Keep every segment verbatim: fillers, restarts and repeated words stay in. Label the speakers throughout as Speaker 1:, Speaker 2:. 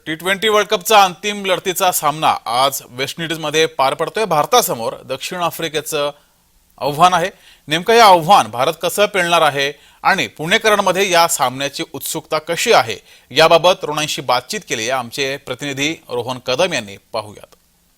Speaker 1: T twenty world कपचा अंतिम लढतीचा सामना आज वेस्ट इंडिजमध्ये पार पडतोय। भारतासमोर दक्षिण आफ्रिकेचं आव्हान आहे। नेमकं हे आव्हान भारत कसं पेलणार आहे आणि पुणेकरांमध्ये या सामन्याची उत्सुकता कशी आहे याबाबत तरुणांशी बातचीत केली आहे आमचे प्रतिनिधी रोहन कदम यांनी। पाहूयात।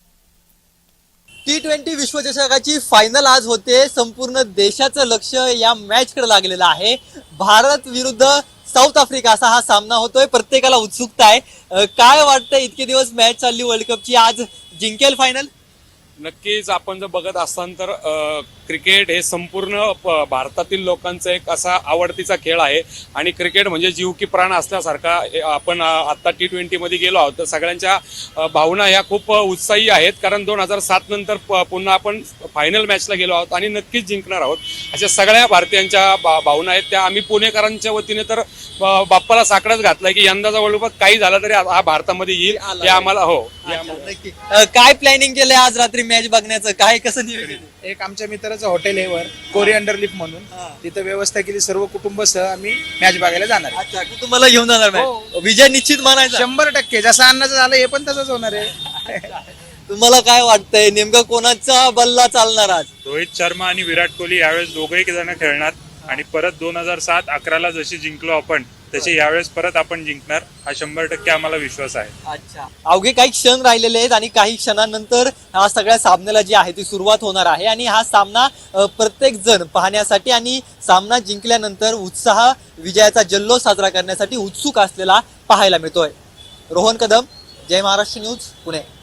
Speaker 2: टी ट्वेंटी विश्वचषकाची फायनल आज होते। संपूर्ण देशाचं लक्ष या मॅचकडे लागलेलं आहे। भारत विरुद्ध साऊथ आफ्रिका असा हा सामना होतोय। प्रत्येकाला उत्सुकता आहे। काय वाटतं, इतके दिवस मॅच चालली वर्ल्ड कपची, आज जिंकेल फायनल?
Speaker 3: नक्कीच आपण जर बघत असताल तर क्रिकेट हे संपूर्ण भारतातील लोकांचा एक असा आवडतीचा खेळ आहे आणि क्रिकेट म्हणजे जीव की प्राण असल्यासारखा। आपण आता टी ट्वेंटी मध्ये गेलो आहोत तर सगळ्यांच्या भावना ह्या खूप उत्साही आहेत, कारण दोन हजार सात नंतर पुन्हा आपण फायनल मॅचला गेलो आहोत आणि नक्कीच जिंकणार आहोत अशा सगळ्या भारतीयांच्या भावना आहेत। त्या आम्ही पुणेकरांच्या वतीने तर बाप्पाला साकडच घातलाय की यंदाचा वर्ल्ड कप काही झाला तरी हा भारतामध्ये येईल हे आम्हाला हो।
Speaker 2: नक्की काय प्लॅनिंग केलंय आज रात्री मॅच बघण्याचं? काय कसं नियोजन?
Speaker 4: एक आमच्या मित्राचं हॉटेल आहे वर कोरिअंडर लिफ म्हणून, तिथं व्यवस्था केली। सर्व कुटुंबासह आम्ही मॅच बघायला जाणार।
Speaker 2: अच्छा, कुटुंबाला घेऊन जाणार मॅच? विजय निश्चित मानायचा?
Speaker 4: शंभर टक्के जसं अन्नाचं झालं हे पण तसंच होणार आहे।
Speaker 2: तुम्हाला काय वाटतंय, नेमका कोणाचा बल्ला चालणार आज?
Speaker 5: रोहित शर्मा आणि विराट कोहली यावेळेस दोघेही जण खेळणार आणि परत दोन हजार सात अकराला जशी जिंकलो आपण तसे यावेळेस परत आपण जिंकणार हा शंभर टक्के आम्हाला विश्वास आहे।
Speaker 2: अच्छा, अवघे काही क्षण राहिलेले आहेत आणि काही क्षणांनंतर हा सगळ्या सामन्याला जी आहे ती सुरुवात होणार आहे आणि हा सामना प्रत्येक जण पाहण्यासाठी आणि सामना जिंकल्यानंतर उत्साह विजयाचा जल्लोष साजरा करण्यासाठी उत्सुक असलेला पाहायला मिळतोय। रोहन कदम, जय महाराष्ट्र न्यूज, पुणे।